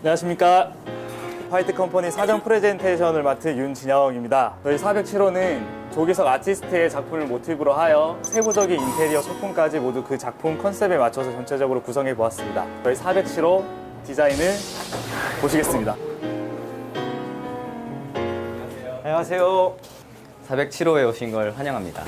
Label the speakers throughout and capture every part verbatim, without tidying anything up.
Speaker 1: 안녕하십니까. 화이트 컴퍼니 사전 프레젠테이션을 맡은 윤진영입니다. 저희 사백칠 호는 조기석 아티스트의 작품을 모티브로 하여 세부적인 인테리어 소품까지 모두 그 작품 컨셉에 맞춰서 전체적으로 구성해 보았습니다. 저희 사백칠 호 디자인을 보시겠습니다.
Speaker 2: 안녕하세요.
Speaker 3: 사백칠 호에 오신 걸 환영합니다.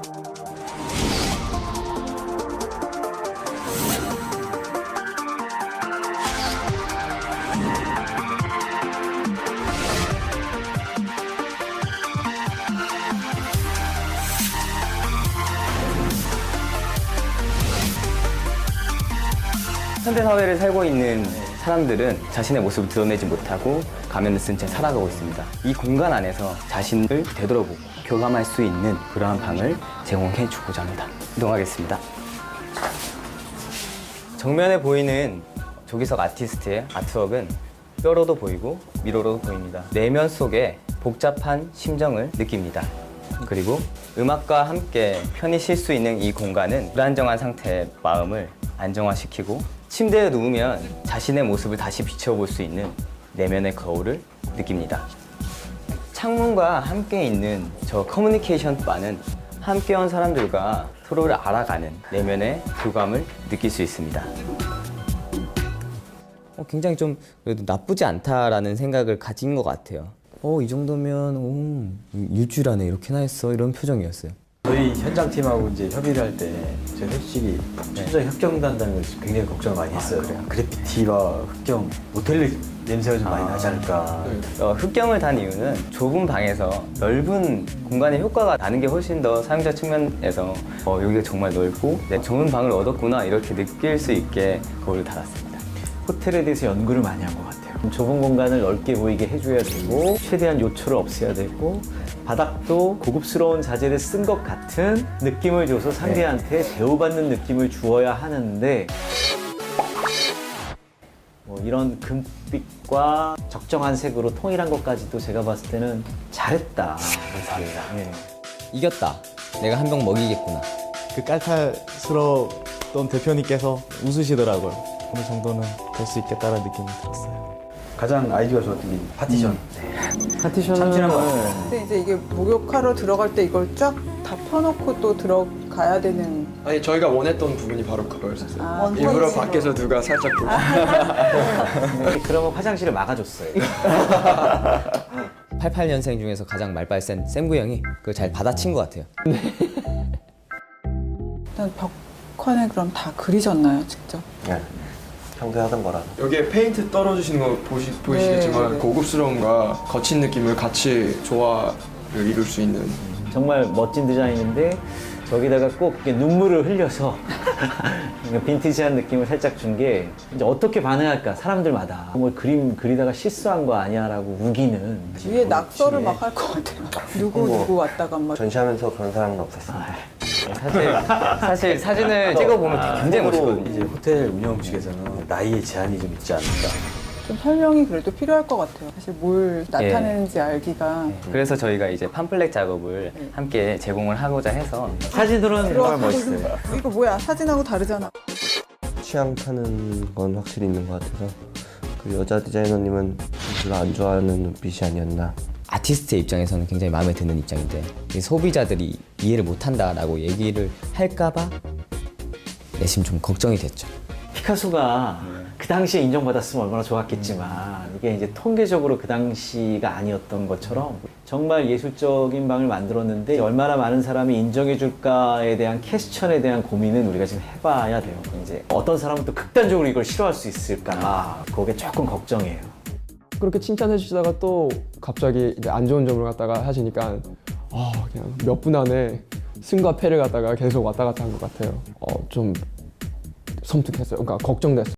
Speaker 3: 현대사회를 살고 있는 사람들은 자신의 모습을 드러내지 못하고 가면을 쓴 채 살아가고 있습니다. 이 공간 안에서 자신을 되돌아보고 교감할 수 있는 그러한 방을 제공해 주고자 합니다. 이동하겠습니다. 정면에 보이는 조기석 아티스트의 아트웍은 뼈로도 보이고 미로로도 보입니다. 내면 속에 복잡한 심정을 느낍니다. 그리고 음악과 함께 편히 쉴 수 있는 이 공간은 불안정한 상태의 마음을 안정화시키고 침대에 누우면 자신의 모습을 다시 비춰볼 수 있는 내면의 거울을 느낍니다. 창문과 함께 있는 저 커뮤니케이션 바는 함께 온 사람들과 서로를 알아가는 내면의 교감을 느낄 수 있습니다. 어, 굉장히 좀 그래도 나쁘지 않다라는 생각을 가진 것 같아요. 어, 이 정도면 오, 일주일 안에 이렇게나 했어 이런 표정이었어요.
Speaker 2: 저희 현장팀하고 이제 협의를 할 때 저희 솔직히 현장 흑경단다는 걸 굉장히 걱정을 많이 했어요. 아, 그래피티와 흑경, 모텔 냄새가 좀 많이 아, 나지 않을까.
Speaker 3: 어, 흑경을 단 이유는 좁은 방에서 넓은 공간의 효과가 나는 게 훨씬 더 사용자 측면에서 어, 여기가 정말 넓고 네, 좋은 방을 얻었구나 이렇게 느낄 수 있게 거울을 달았습니다.
Speaker 2: 호텔에 대해서 연구를 많이 한 것 같아요. 좁은 공간을 넓게 보이게 해줘야 되고 최대한 요초를 없애야 되고 바닥도 고급스러운 자재를 쓴 것 같은 느낌을 줘서 상대한테 대우받는 느낌을 주어야 하는데 뭐 이런 금빛과 적정한 색으로 통일한 것까지도 제가 봤을 때는 잘했다. 네.
Speaker 3: 이겼다. 내가 한 병 먹이겠구나.
Speaker 4: 그 깔탈스러웠던 대표님께서 웃으시더라고요. 어느 정도는 될 수 있겠다는 느낌이 들었어요.
Speaker 2: 가장 아이디어가 좋았던 게 파티션. 음. 네. 파티션은 참신한 것 같아요.
Speaker 5: 근데 이제 이게 목욕하러 들어갈 때 이걸 쫙 다 펴놓고 또 들어가야 되는.
Speaker 6: 아니 저희가 원했던 부분이 바로 그거였어요.
Speaker 5: 아,
Speaker 6: 일부러 밖에서 누가 살짝 보고.
Speaker 2: 그러면 화장실을 막아줬어요.
Speaker 3: 팔십팔 년생 중에서 가장 말빨 센 샘구 형이 그걸 잘 받아친 것 같아요.
Speaker 5: 일단 벽화는 그럼 다 그리셨나요, 직접?
Speaker 7: 네. 평소에 하던 거라.
Speaker 6: 여기에 페인트 떨어지시는 거 보시, 보이시겠지만
Speaker 5: 네.
Speaker 6: 고급스러움과 거친 느낌을 같이 조화를 이룰 수 있는.
Speaker 2: 정말 멋진 디자인인데 저기다가 꼭 이렇게 눈물을 흘려서 빈티지한 느낌을 살짝 준 게 이제 어떻게 반응할까 사람들마다 뭐 그림 그리다가 실수한 거 아니야라고 우기는
Speaker 5: 위에 낙서를 막 할 것 같아요. 누구
Speaker 7: 뭐,
Speaker 5: 누구 왔다가 막.
Speaker 7: 전시하면서 그런 사람은 없었습니다.
Speaker 3: 사실, 사실 사진을 찍어보면 되게 굉장히 멋있거든요.
Speaker 2: 이제 호텔 운영 측에서는 나이에 제한이 좀 있지 않을까.
Speaker 5: 좀 설명이 그래도 필요할 것 같아요. 사실 뭘 나타내는지 알기가.
Speaker 3: 그래서 저희가 이제 팜플렛 작업을 함께 제공을 하고자 해서
Speaker 2: 사진으로는 정말 멋있어요.
Speaker 5: 이거 뭐야? 사진하고 다르잖아.
Speaker 7: 취향 타는 건 확실히 있는 것 같아서 그 여자 디자이너님은 별로 안 좋아하는 눈빛이 아니었나.
Speaker 3: 아티스트의 입장에서는 굉장히 마음에 드는 입장인데 소비자들이 이해를 못한다라고 얘기를 할까봐 내심 좀 걱정이 됐죠.
Speaker 2: 피카소가 그 당시에 인정받았으면 얼마나 좋았겠지만 이게 이제 통계적으로 그 당시가 아니었던 것처럼 정말 예술적인 방을 만들었는데 얼마나 많은 사람이 인정해 줄까에 대한 퀘스천에 대한 고민은 우리가 지금 해봐야 돼요. 이제 어떤 사람은 또 극단적으로 이걸 싫어할 수 있을까 그게 조금 걱정이에요.
Speaker 8: 그렇게 칭찬해 주시다가 또 갑자기 이제 안 좋은 점을 갖다가 하시니까 아 그냥 몇 분 안에 승과 패를 갖다가 계속 왔다 갔다 한 것 같아요. 어, 좀 섬뜩했어요. 그러니까 걱정됐어요.